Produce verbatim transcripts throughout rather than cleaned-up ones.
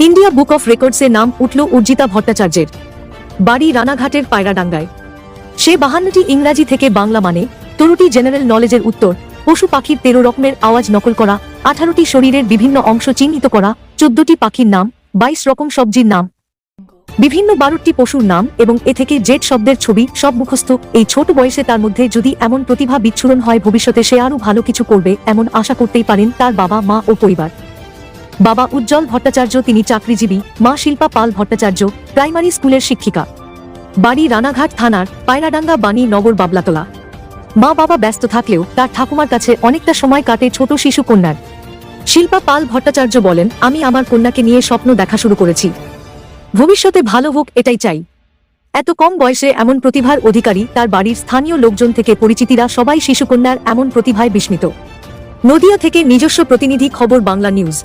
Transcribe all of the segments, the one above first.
India book of রেকর্ডসে নাম উঠল অর্জিতা ভট্টাচার্যের। বাড়ি রানাঘাটের পায়রাডাঙ্গায়। সে বাহান্নটি ইংরাজি থেকে বাংলা মানে তেরোটি জেনারেল নলেজের উত্তর, পশু পাখির তেরো রকমের আওয়াজ নকল করা, আঠারোটি শরীরের বিভিন্ন অংশ চিহ্নিত করা, চোদ্দটি পাখির নাম, বাইশ রকম সবজির নাম, বিভিন্ন বারোটি পশুর নাম এবং এ থেকে জেড শব্দের ছবি সব মুখস্থ। এই ছোট বয়সে তার মধ্যে যদি এমন প্রতিভা বিচ্ছুরণ হয়, ভবিষ্যতে সে আরও ভালো কিছু করবে এমন আশা করতেই পারেন তার বাবা মা ও পরিবার। বাবা উজ্জ্বল ভট্টাচার্য, তিনি চাকরিজীবী। মা শিল্পা পাল ভট্টাচার্য, প্রাইমারি স্কুলের শিক্ষিকা। বাড়ি রানাঘাট থানার পায়রাডাঙ্গা বাণী নগর বাবলাতলা। মা বাবা ব্যস্ত থাকলেও তার ঠাকুমার কাছে অনেকটা সময় কাটে ছোট শিশু কন্যার। শিল্পা পাল ভট্টাচার্য বলেন, আমি আমার কন্যাকে নিয়ে স্বপ্ন দেখা শুরু করেছি। ভবিষ্যতে ভালো হোক এটাই চাই। এত কম বয়সে এমন প্রতিভার অধিকারী তার বাড়ির স্থানীয় লোকজন থেকে পরিচিতিরা সবাই শিশুকন্যার এমন প্রতিভায় বিস্মিত। নদিয়া থেকে নিজস্ব প্রতিনিধি, খবর বাংলা নিউজ।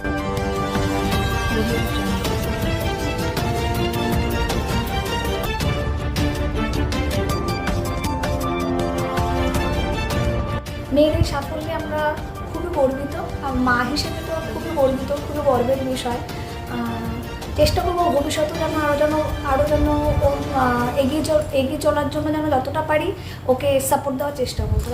মেয়ের এই সাফল্যে আমরা খুবই গর্বিত, মা হিসেবে তো খুবই গর্বিত, খুবই গর্বের বিষয়। চেষ্টা করবো ভবিষ্যতে যেন আরও যেন আরও যেন ও এগিয়ে এগিয়ে চলার জন্য যেন যতটা পারি ওকে সাপোর্ট দেওয়ার চেষ্টা করবো।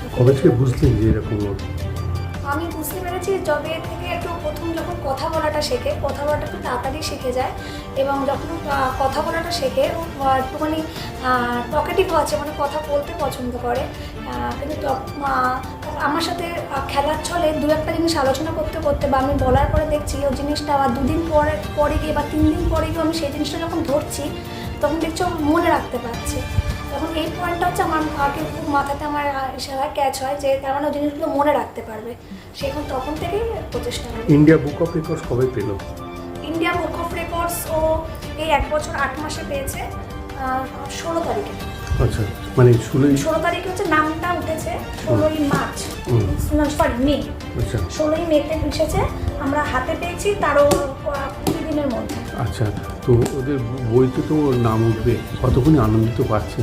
আমি বুঝতে পেরেছি যবে থেকে একটু প্রথম যখন কথা বলাটা শেখে, কথা বলাটা একটু তাড়াতাড়ি শিখে যায় এবং যখন কথা বলাটা শেখে একটুখানি টকেটিভ আছে, মানে কথা বলতে পছন্দ করে। কিন্তু আমার সাথে খেলার ছলে দু একটা জিনিস আলোচনা করতে করতে বা আমি বলার পরে দেখছি ওই জিনিসটা আবার দুদিন পরে পরে গিয়ে বা তিন দিন পরে গিয়ে আমি সেই জিনিসটা যখন ধরছি তখন দেখছি ও মনে রাখতে পারছে। তখন এই পয়েন্টটা হচ্ছে আমার আগে খুব মাথাতে আমার ইশারা ক্যাচ হয় যে তার মানে জিনিসগুলো মনে রাখতে পারবে। সেখান তখন থেকেই প্রচেষ্টা করে। ইন্ডিয়া বুক অফ রেকর্ডস কবে পেল? ইন্ডিয়া বুক অফ রেকর্ডস ও এই এক বছর আট মাসে পেয়েছে, ষোলো তারিখে। আচ্ছা, মানে ষোলোই ষোলো তারিখে হচ্ছে নামটা উঠেছে, ষোলোই মার্চ সরি মে, আচ্ছা ষোলোই মেতে এসেছে। আমরা হাতে পেয়েছি তারও কুড়ি দিনের মধ্যে। আচ্ছা, তো ওদের বইতে তো নাম উঠবে, কতক্ষণ আনন্দিত পাচ্ছে?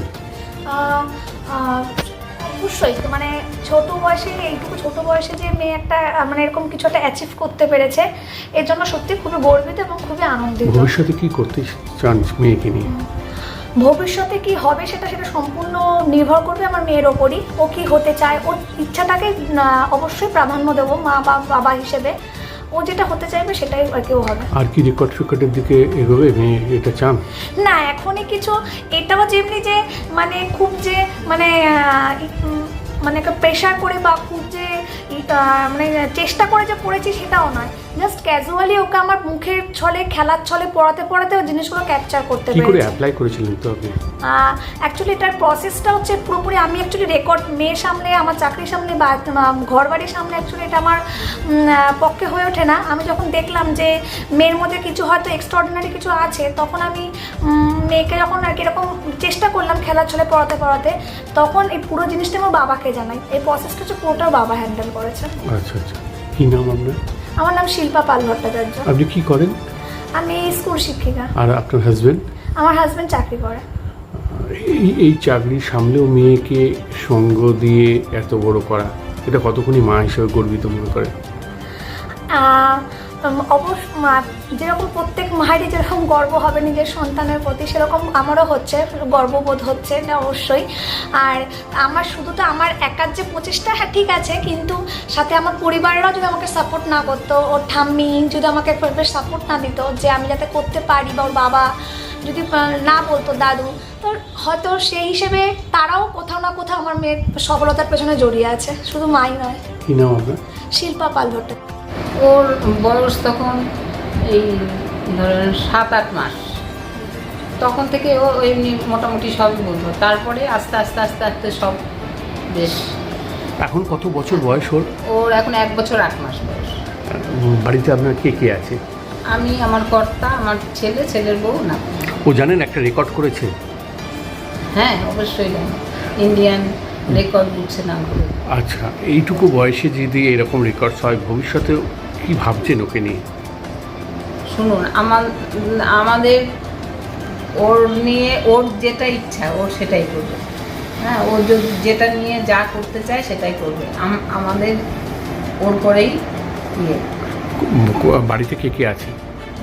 অবশ্যই, মানে ছোট বয়সে এইটুকু ছোট বয়সে যে মেয়ে একটা মানে এরকম কিছু একটা অ্যাচিভ করতে পেরেছে এর জন্য সত্যি খুবই গর্বিত এবং খুবই আনন্দিত। ভবিষ্যতে কি করতে চান মেয়েকে নিয়ে? ভবিষ্যতে কি হবে সেটা সেটা সম্পূর্ণ নির্ভর করবে আমার মেয়ের ওপরই। ও কি হতে চায়, ওর ইচ্ছাটাকে অবশ্যই প্রাধান্য দেবো মা বা বাবা হিসেবে। ও যেটা হতে চাইবে সেটাই আর কেউ হবে। আর কি রেকর্ড ফেকর্ডের দিকে এগোবে মেয়ে, এটা চান? না, এখনই কিছু এটাও যেমনি যে মানে খুব যে মানে মানে একটা প্রেশার করে বা খুব যে মানে চেষ্টা করে যে পড়েছি সেটাও নয়, জাস্ট ক্যাজুয়ালি ওকে আমার মুখের ছলে খেলার ছলে পড়াতে পড়াতে ওই জিনিসগুলো ক্যাপচার করতে পেরেছি। কি করে অ্যাপ্লাই করেছিলেন তো আপনি? অ্যাকচুয়ালি এটার প্রসেসটা হচ্ছে পুরোপুরি আমি অ্যাকচুয়ালি রেকর্ড মেয়ের সামনে, আমার চাকরির সামনে বা ঘর বাড়ির সামনে অ্যাকচুয়ালি এটা আমার পক্ষে হয়ে ওঠে না। আমি যখন দেখলাম যে মেয়ের মধ্যে কিছু হয়তো এক্সট্রাঅর্ডিনারি কিছু আছে, তখন আমি মেয়েকে যখন আর কি এরকম চেষ্টা করলাম খেলার ছলে পড়াতে পড়াতে, তখন এই পুরো জিনিসটা আমার বাবাকে জানাই। এই প্রসেসটা হচ্ছে পুরোটা বাবা হ্যান্ডেল করেছে। আচ্ছা আচ্ছা, কি নাম আপনার? আমার নাম শিল্পা পাল ভট্টাচার্য। আপনি কি করেন? আমি স্কুল শিক্ষিকা। আর আপনার হাজবেন্ড? আমার হাজবেন্ড চাকরি করে। এই এই চাকরি সামলেও মেয়েকে সঙ্গ দিয়ে এত বড় করা, এটা কতক্ষণই মা হিসেবে গর্বিত মনে করে? অবশ্য যেরকম প্রত্যেক মায়েরই যেরকম গর্ব হবে নিজের সন্তানের প্রতি, সেরকম আমারও হচ্ছে, গর্ববোধ হচ্ছে না অবশ্যই। আর আমার শুধু তো আমার একার যে প্রচেষ্টা, হ্যাঁ ঠিক আছে, কিন্তু সাথে আমার পরিবাররাও যদি আমাকে সাপোর্ট না করতো, ওর ঠাম্মি যদি আমাকে সাপোর্ট না দিত যে আমি যাতে করতে পারি, বা ওর বাবা যদি না বলতো, দাদু, তো হয়তো সেই হিসেবে তারাও কোথাও না কোথাও আমার মেয়ের সফলতার পেছনে জড়িয়ে আছে, শুধু মাই নয়। কি নাম আপনার? শিল্পা পাল ভট্টাচার্য। ওর বয়স তখন এই ধরেন সাত আট মাস, তখন থেকে ও এমনি মোটামুটি সবই বলতো। তারপরে আস্তে আস্তে আস্তে আস্তে সব বেশ। এখন কত বছর বয়স ওর? ওর এখন এক বছর আট মাস বয়স। বাড়িতে আপনার কে কে আছে? আমি, আমার কর্তা, আমার ছেলে, ছেলের বউ না। ও জানেন একটা রেকর্ড করেছে? হ্যাঁ অবশ্যই জানি, ইন্ডিয়ান রেকর্ড বুকসে নাম করে। আচ্ছা, এইটুকু বয়সে যদি এরকম রেকর্ডস হয়, ভবিষ্যতে কি ভাবছেন ওকে নিয়ে? শুনুন, আমার আমাদের ওর নিয়ে ওর যেটা ইচ্ছা ওর সেটাই করবে। হ্যাঁ, ও যেটা নিয়ে যা করতে চায় সেটাই করবে। আমাদের ওর করেই ইয়ে। বাড়িতে কে কে আছে?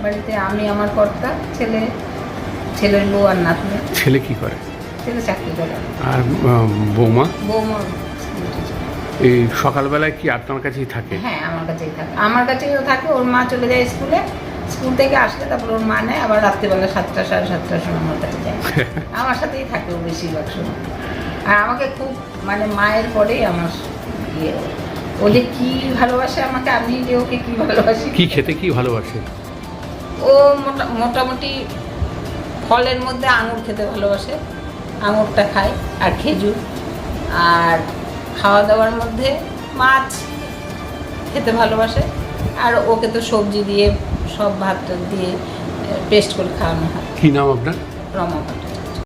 বাড়িতে আমি, আমার কর্তা, ছেলে, ছেলের বউ আর নাতনি। ছেলে কি করে? ছেলে চাকরি করে। আর আহ, বৌমা? বৌমা এই সকালবেলায় কি আপনার কাছেই থাকে? হ্যাঁ, আমার কাছেই থাকে। আমার কাছেও থাকে। ওর মা চলে যায় স্কুলে, স্কুল থেকে আসলে তারপর ওর মা নেয়, আবার রাত্রিবেলা সাতটা সাড়ে সাতটার সময় আমার কাছে যায়। আমার সাথেই থাকে ও বেশিরভাগ সময়। আর আমাকে খুব মানে মায়ের পরেই আমার ইয়ে, ও যে কী ভালোবাসে আমাকে, আমি যে ওকে কী ভালোবাসি। কি খেতে কি ভালোবাসে? ও মোটা মোটামুটি ফলের মধ্যে আঙুর খেতে ভালোবাসে, আঙুরটা খায়, আর খেজুর। আর খাওয়া দাওয়ার মধ্যে মাছ খেতে ভালোবাসে। আর ওকে তো সবজি দিয়ে সব ভাত দিয়ে পেস্ট করে খাওয়ানো হয়। কি নাম আপনার? রমা পাঠক।